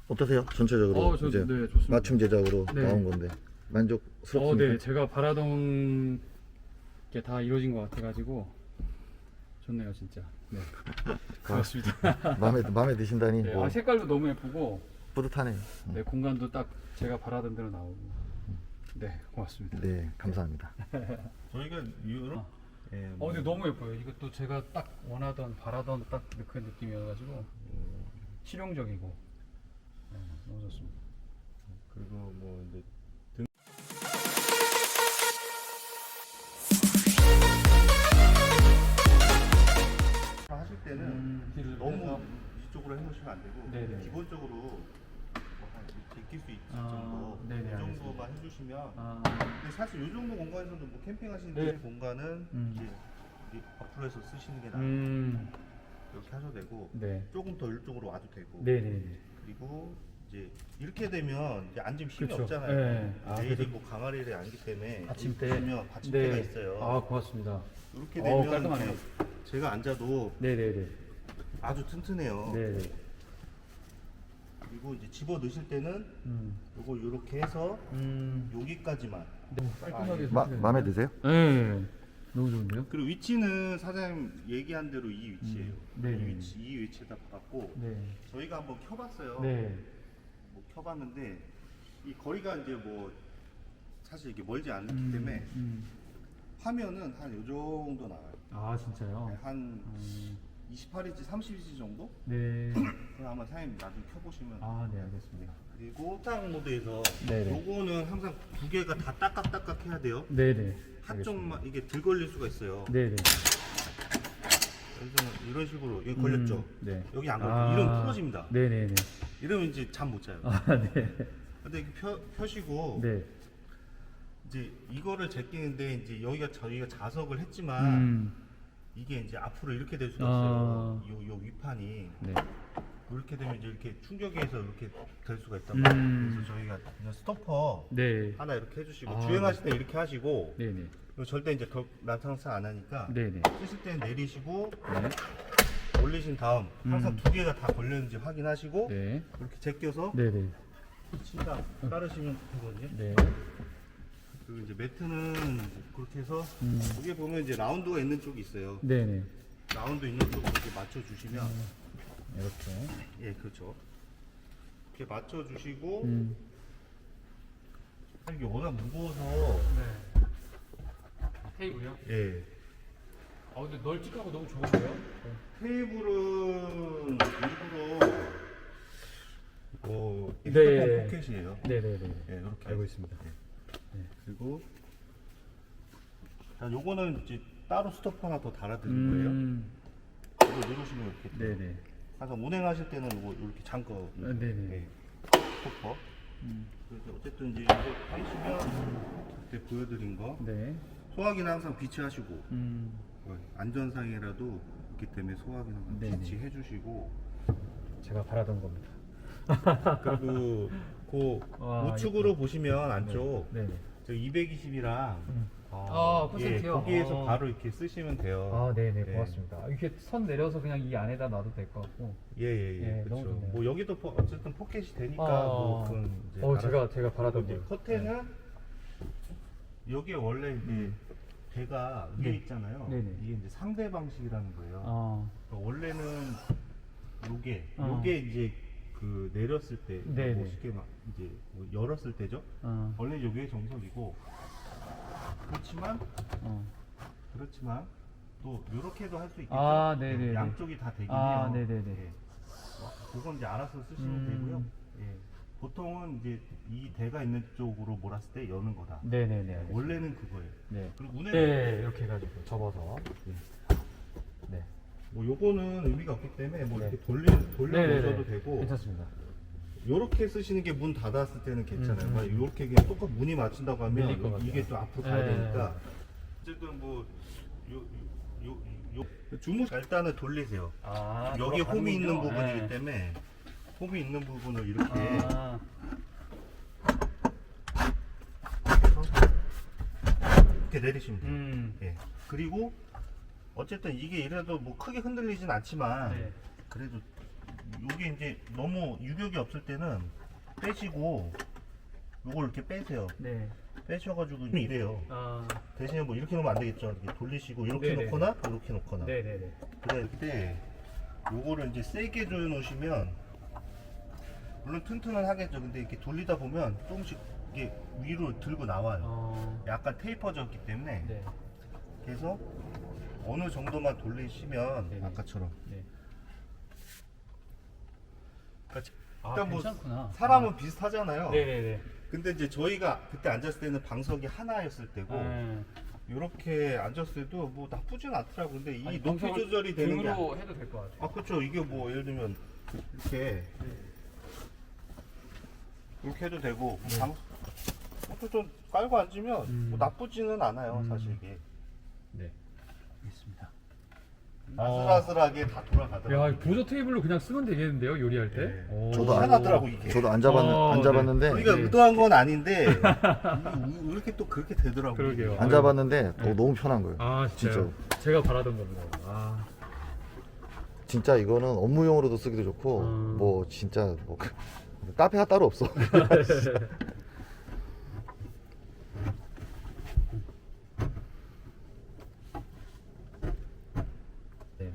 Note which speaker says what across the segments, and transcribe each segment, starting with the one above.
Speaker 1: 어떠세요? 전체적으로
Speaker 2: 저,
Speaker 1: 이제
Speaker 2: 네, 좋습니다.
Speaker 1: 맞춤 제작으로
Speaker 2: 네.
Speaker 1: 나온 건데 만족스럽습니까?
Speaker 2: 네, 제가 바라던 게 다 이루어진 것 같아가지고 좋네요, 진짜. 네, 고맙습니다.
Speaker 1: 마음에 드신다니
Speaker 2: 네,
Speaker 1: 뭐
Speaker 2: 색깔도 너무 예쁘고,
Speaker 1: 뿌듯하네요.
Speaker 2: 네, 공간도 딱 제가 바라던 대로 나오고, 네, 고맙습니다.
Speaker 1: 네, 감사합니다.
Speaker 3: 저희가 이유로 예,
Speaker 2: 근데 너무 예뻐요. 이것도 제가 딱 원하던, 바라던 딱 그 느낌이어가지고 실용적이고, 네, 너무 좋습니다.
Speaker 3: 그리고 뭐 이제 하실 때는
Speaker 2: 뒤를
Speaker 3: 너무
Speaker 2: 빼서.
Speaker 3: 이쪽으로 해놓으시면 안 되고
Speaker 2: 네네.
Speaker 3: 기본적으로 뭐한 제낄 수 있을
Speaker 2: 아,
Speaker 3: 정도
Speaker 2: 네네,
Speaker 3: 이
Speaker 2: 알겠습니다.
Speaker 3: 정도만 해주시면
Speaker 2: 아,
Speaker 3: 근데 사실 이 정도 공간에서도 뭐 캠핑하시는
Speaker 2: 네.
Speaker 3: 공간은 이제 이 앞으로 해서 쓰시는 게 나아요. 이렇게 하셔도 되고
Speaker 2: 네,
Speaker 3: 조금 더 이쪽으로 와도 되고
Speaker 2: 네네.
Speaker 3: 그리고 이제 이렇게 되면 이제 앉으면 힘이
Speaker 2: 그쵸.
Speaker 3: 없잖아요.
Speaker 2: 네.
Speaker 3: 내일이
Speaker 2: 그래서
Speaker 3: 뭐 강아리를 앉기 때문에
Speaker 2: 받침대.
Speaker 3: 보시면 받침대가
Speaker 2: 네.
Speaker 3: 있어요.
Speaker 2: 아, 고맙습니다.
Speaker 3: 이렇게 되면
Speaker 2: 깔끔하네요.
Speaker 3: 이제 제가 앉아도
Speaker 2: 네네네.
Speaker 3: 아주 튼튼해요.
Speaker 2: 네네.
Speaker 3: 그리고 이제 집어 넣으실 때는 요거 이렇게 해서 여기까지만.
Speaker 2: 깔끔하게.
Speaker 1: 마음에 드세요?
Speaker 2: 네. 너무 좋은데요?
Speaker 3: 그리고 위치는 사장님 얘기한 대로 이 위치예요.
Speaker 2: 네.
Speaker 3: 이 위치에다 박았고
Speaker 2: 네.
Speaker 3: 저희가 한번 켜봤어요.
Speaker 2: 네.
Speaker 3: 뭐 켜봤는데 이 거리가 이제 뭐 사실 이게 멀지 않기 때문에 화면은 한 요 정도 나와요.
Speaker 2: 아, 진짜요?
Speaker 3: 한 28인치, 30인치 정도?
Speaker 2: 네.
Speaker 3: 그럼 아마 사장님 나중에 켜보시면.
Speaker 2: 아, 네, 알겠습니다.
Speaker 3: 그리고 딱 모드에서
Speaker 2: 네네.
Speaker 3: 요거는 항상 두 개가 다 딱딱딱딱 해야 돼요.
Speaker 2: 네네.
Speaker 3: 한쪽만 이게 들 걸릴 수가 있어요.
Speaker 2: 네네.
Speaker 3: 그래서 이런 식으로 여기 걸렸죠.
Speaker 2: 네.
Speaker 3: 여기 안 걸리고 이러면 풀어집니다.
Speaker 2: 네네네.
Speaker 3: 이러면 이제 잠 못 자요.
Speaker 2: 아, 네.
Speaker 3: 근데 이렇게 펴시고
Speaker 2: 네.
Speaker 3: 이제 이거를 제끼는데 이제 여기가 저희가 자석을 했지만 이게 이제 앞으로 이렇게 될 수가
Speaker 2: 아.
Speaker 3: 있어요. 요 위판이
Speaker 2: 네.
Speaker 3: 이렇게 되면 이제 이렇게 충격에서 이렇게 될 수가 있단 말이에요. 그래서 저희가 그냥 스토퍼
Speaker 2: 네.
Speaker 3: 하나 이렇게 해주시고
Speaker 2: 아.
Speaker 3: 주행하실 때 이렇게 하시고
Speaker 2: 네네.
Speaker 3: 그리고 절대 이제 난상사 안 하니까
Speaker 2: 네네.
Speaker 3: 쓰실 때는 내리시고
Speaker 2: 네.
Speaker 3: 올리신 다음 항상 두 개가 다 걸렸는지 확인하시고
Speaker 2: 네.
Speaker 3: 이렇게 제껴서
Speaker 2: 네네.
Speaker 3: 침대 깔으시면 되거든요.
Speaker 2: 네.
Speaker 3: 그리고 이제 매트는 그렇게 해서 여기 보면 이제 라운드가 있는 쪽이 있어요.
Speaker 2: 네네.
Speaker 3: 라운드 있는 쪽으로 이렇게 맞춰주시면
Speaker 2: 이렇게.
Speaker 3: 예 그렇죠. 이렇게 맞춰주시고 이게 워낙 무거워서
Speaker 2: 네. 테이블이요?
Speaker 3: 예
Speaker 2: 근데 널찍하고 너무 좋은데요?
Speaker 3: 테이블은 일부러
Speaker 2: 네.
Speaker 3: 핸드폰 포켓이에요.
Speaker 2: 네네네.
Speaker 3: 예 이렇게
Speaker 2: 알고 있습니다.
Speaker 3: 그리고 자 요거는 이제 따로 스토퍼 하나 더 달아드릴 거예요. 이거 누르시면 이렇게 돼요.
Speaker 2: 네네.
Speaker 3: 항상 운행하실 때는 이거 이렇게 잠궈.
Speaker 2: 네네.
Speaker 3: 예, 스토퍼. 그래서 어쨌든 이제 이거 하시면 그때 보여드린 거
Speaker 2: 네.
Speaker 3: 소화기는 항상 비치하시고 안전상이라도 있기 때문에 소화기는 항상
Speaker 2: 네네.
Speaker 3: 비치해주시고
Speaker 2: 제가 바라던 겁니다.
Speaker 3: 그리고 그
Speaker 2: 와,
Speaker 3: 우측으로 보시면 안쪽
Speaker 2: 네네.
Speaker 3: 저 220이랑
Speaker 2: 콘센트요?
Speaker 3: 거기에서 바로 이렇게 쓰시면 돼요.
Speaker 2: 아, 네네.
Speaker 3: 예.
Speaker 2: 고맙습니다. 이렇게 선 내려서 그냥 이 안에다 놔도 될 것 같고.
Speaker 3: 예예예.
Speaker 2: 예, 너무
Speaker 3: 그렇죠.
Speaker 2: 좋네요.
Speaker 3: 뭐 여기도 어쨌든 포켓이 되니까
Speaker 2: 아,
Speaker 3: 뭐 그건 이제
Speaker 2: 제가 바라던
Speaker 3: 이제
Speaker 2: 거.
Speaker 3: 커튼은 여기에 원래 이제 배가 위에
Speaker 2: 네.
Speaker 3: 있잖아요.
Speaker 2: 네네.
Speaker 3: 이게 이제 상대 방식이라는 거예요.
Speaker 2: 아,
Speaker 3: 그러니까 원래는 요게
Speaker 2: 어.
Speaker 3: 이제 그 내렸을 때
Speaker 2: 네네.
Speaker 3: 뭐 쉽게 막 이제 뭐 열었을 때죠. 원래 요게 정석이고 그렇지만 또 요렇게도 할 수 있겠죠.
Speaker 2: 아, 네네네.
Speaker 3: 양쪽이 다 되긴
Speaker 2: 아,
Speaker 3: 해요.
Speaker 2: 네네네.
Speaker 3: 예. 그건 이제 알아서 쓰시면 되고요. 예. 보통은 이제 이 대가 있는 쪽으로 몰았을 때 여는 거다.
Speaker 2: 네네네. 알겠습니다.
Speaker 3: 원래는 그거예요.
Speaker 2: 네.
Speaker 3: 그리고 운행
Speaker 2: 네, 이렇게 해가지고 접어서. 네.
Speaker 3: 뭐 요거는 의미가 없기 때문에 뭐
Speaker 2: 네.
Speaker 3: 이렇게 돌려
Speaker 2: 네네네.
Speaker 3: 놓으셔도 되고
Speaker 2: 괜찮습니다.
Speaker 3: 요렇게 쓰시는 게 문 닫았을 때는 괜찮아요. 만약 요렇게 그냥 똑같 문이 맞춘다고 하면
Speaker 2: 밀릴 것 같아요.
Speaker 3: 이게 또 앞으로 가야
Speaker 2: 네.
Speaker 3: 되니까 어쨌든 뭐 주무 일단은 돌리세요.
Speaker 2: 아,
Speaker 3: 여기 홈이 있는
Speaker 2: 돌아가는군요.
Speaker 3: 부분이기
Speaker 2: 네.
Speaker 3: 때문에 홈이 있는 부분을 이렇게
Speaker 2: 아,
Speaker 3: 이렇게 내리시면 돼요. 예. 그리고 어쨌든 이게 이래도 뭐 크게 흔들리진 않지만
Speaker 2: 네.
Speaker 3: 그래도 이게 이제 너무 유격이 없을 때는 빼시고 요걸 이렇게 빼세요.
Speaker 2: 네.
Speaker 3: 빼셔가지고 이래요.
Speaker 2: 아.
Speaker 3: 대신에 뭐 이렇게 놓으면 안 되겠죠. 이렇게 돌리시고 이렇게
Speaker 2: 네네네.
Speaker 3: 놓거나 이렇게 놓거나.
Speaker 2: 네네네.
Speaker 3: 그때 요거를 이제 세게 조여 놓으시면 물론 튼튼은 하겠죠. 근데 이렇게 돌리다 보면 조금씩 이게 위로 들고 나와요. 약간 테이퍼졌기 때문에.
Speaker 2: 네.
Speaker 3: 그래서 어느 정도만 돌리시면
Speaker 2: 네네.
Speaker 3: 아까처럼.
Speaker 2: 네. 아,
Speaker 3: 일단 뭐
Speaker 2: 괜찮구나.
Speaker 3: 사람은 비슷하잖아요.
Speaker 2: 네네네.
Speaker 3: 근데 이제 저희가 그때 앉았을 때는 방석이 하나였을 때고 이렇게 앉았을 때도 뭐 나쁘진 않더라고. 근데 이 높이 조절이 되는 게
Speaker 2: 등으로 해도 될 것 같아요.
Speaker 3: 아 그렇죠. 이게 뭐 예를 들면 이렇게 이렇게 해도 되고 이것도 좀 깔고 앉으면 뭐 나쁘지는 않아요. 사실 이게
Speaker 2: 네. 있습니다.
Speaker 3: 아슬아슬하게 다 돌아가더라고요.
Speaker 2: 야, 보조 테이블로 그냥 쓰면 되겠는데요, 요리할 때?
Speaker 3: 네.
Speaker 2: 오.
Speaker 1: 저도
Speaker 3: 편하더라고 이게.
Speaker 1: 저도 안
Speaker 2: 네.
Speaker 1: 잡았는데
Speaker 3: 우리가
Speaker 2: 네.
Speaker 3: 의도한 건 아닌데 왜 이렇게 또 그렇게 되더라고요.
Speaker 2: 그러게요.
Speaker 1: 안 잡았는데
Speaker 2: 네.
Speaker 1: 너무 편한 거예요.
Speaker 2: 아, 진짜요? 제가 바라던 겁니다. 아.
Speaker 1: 진짜 이거는 업무용으로도 쓰기도 좋고 뭐 진짜 뭐 카페가 따로 없어.
Speaker 2: 네네.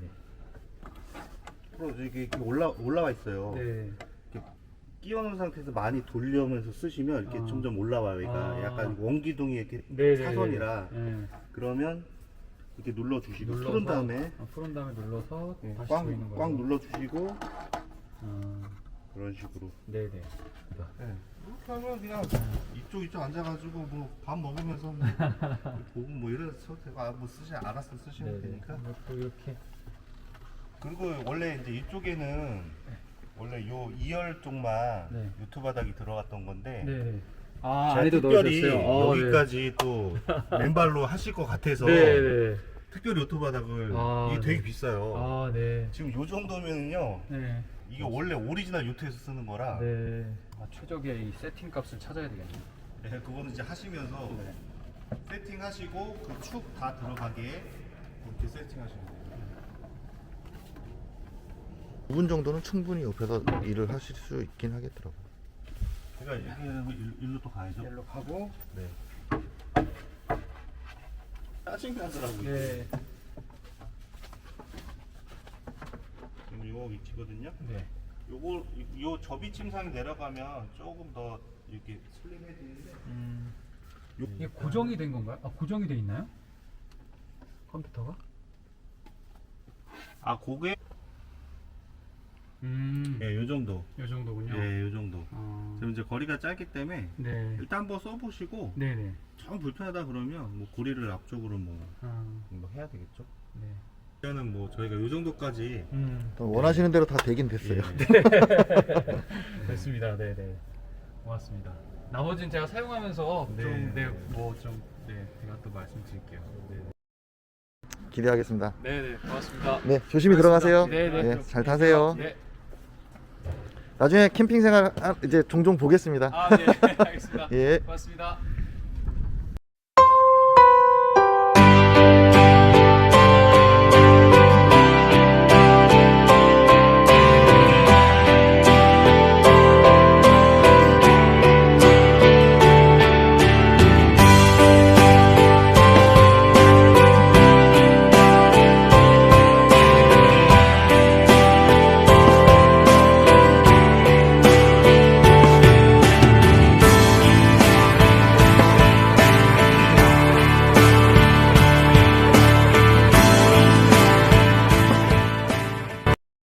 Speaker 3: 앞으로 이게 올라와 있어요.
Speaker 2: 네.
Speaker 3: 끼워놓은 상태에서 많이 돌려면서 쓰시면 이렇게 점점 올라와요. 얘가
Speaker 2: 아.
Speaker 3: 약간 원기둥이 이렇게
Speaker 2: 네네네.
Speaker 3: 사선이라
Speaker 2: 네.
Speaker 3: 그러면 이렇게 눌러주시고
Speaker 2: 눌러서,
Speaker 3: 풀은 다음에
Speaker 2: 풀은 다음에 눌러서
Speaker 3: 네,
Speaker 2: 다시
Speaker 3: 꽉,
Speaker 2: 조이는 거예요.
Speaker 3: 꽉 눌러주시고
Speaker 2: 아,
Speaker 3: 그런 식으로.
Speaker 2: 네네.
Speaker 3: 네. 이렇게 하면 그냥 이쪽 앉아가지고 뭐 밥 먹으면서 뭐 보고 뭐 이래서 되고 뭐 알아서 쓰시면 되니까.
Speaker 2: 또 이렇게.
Speaker 3: 그리고 원래 이제 이쪽에는 원래 요 2열 쪽만
Speaker 2: 네.
Speaker 3: 유튜브 바닥이 들어갔던 건데
Speaker 2: 네. 아,
Speaker 3: 제가
Speaker 2: 안에도
Speaker 3: 특별히
Speaker 2: 넣으셨어요?
Speaker 3: 여기까지 또 맨발로 하실 것 같아서
Speaker 2: 네네.
Speaker 3: 특별히 유튜브 바닥을
Speaker 2: 아,
Speaker 3: 이게 되게
Speaker 2: 네.
Speaker 3: 비싸요.
Speaker 2: 아, 네.
Speaker 3: 지금 요 정도면은요
Speaker 2: 네.
Speaker 3: 이게 원래 오리지널 요트에서 쓰는 거라
Speaker 2: 네. 아, 최적의 이 세팅 값을 찾아야 되겠네요.
Speaker 3: 네, 그거는 이제 하시면서 세팅하시고 그 축 다 들어가게 이렇게 세팅하시면 돼요.
Speaker 1: 5분 정도는 충분히 옆에서 일을 하실 수 있긴 하겠더라고요.
Speaker 3: 그러니까 이렇게 일로 또 가야죠.
Speaker 2: 일로 가고.
Speaker 3: 네. 짜증나더라고요.
Speaker 2: 네.
Speaker 3: 지금 요 위치거든요.
Speaker 2: 네.
Speaker 3: 요 접이 침상이 내려가면 조금 더 이렇게 슬림해지는데
Speaker 2: 이게 고정이 된 건가요? 아, 고정이 돼 있나요? 컴퓨터가?
Speaker 3: 고개
Speaker 2: 네,
Speaker 3: 요 정도.
Speaker 2: 이 정도군요.
Speaker 3: 네, 요 정도.
Speaker 2: 아,
Speaker 3: 지금 이제 거리가 짧기 때문에
Speaker 2: 네.
Speaker 3: 일단 한번 써보시고
Speaker 2: 네네.
Speaker 3: 정 불편하다 그러면 뭐 고리를 앞쪽으로 뭐 해야 되겠죠.
Speaker 2: 네.
Speaker 3: 일단은 뭐 저희가 요 정도까지
Speaker 1: 원하시는 대로 다 되긴 됐어요.
Speaker 2: 됐습니다. 네네. 고맙습니다. 나머지는 제가 사용하면서
Speaker 3: 네.
Speaker 2: 제가 또 말씀드릴게요. 네네.
Speaker 1: 기대하겠습니다.
Speaker 2: 네네. 고맙습니다.
Speaker 1: 네, 조심히 들어가세요.
Speaker 2: 네네.
Speaker 1: 네, 잘 타세요.
Speaker 2: 네.
Speaker 1: 나중에 캠핑 생활 이제 종종 보겠습니다.
Speaker 2: 아, 네. 알겠습니다.
Speaker 1: 예.
Speaker 2: 고맙습니다.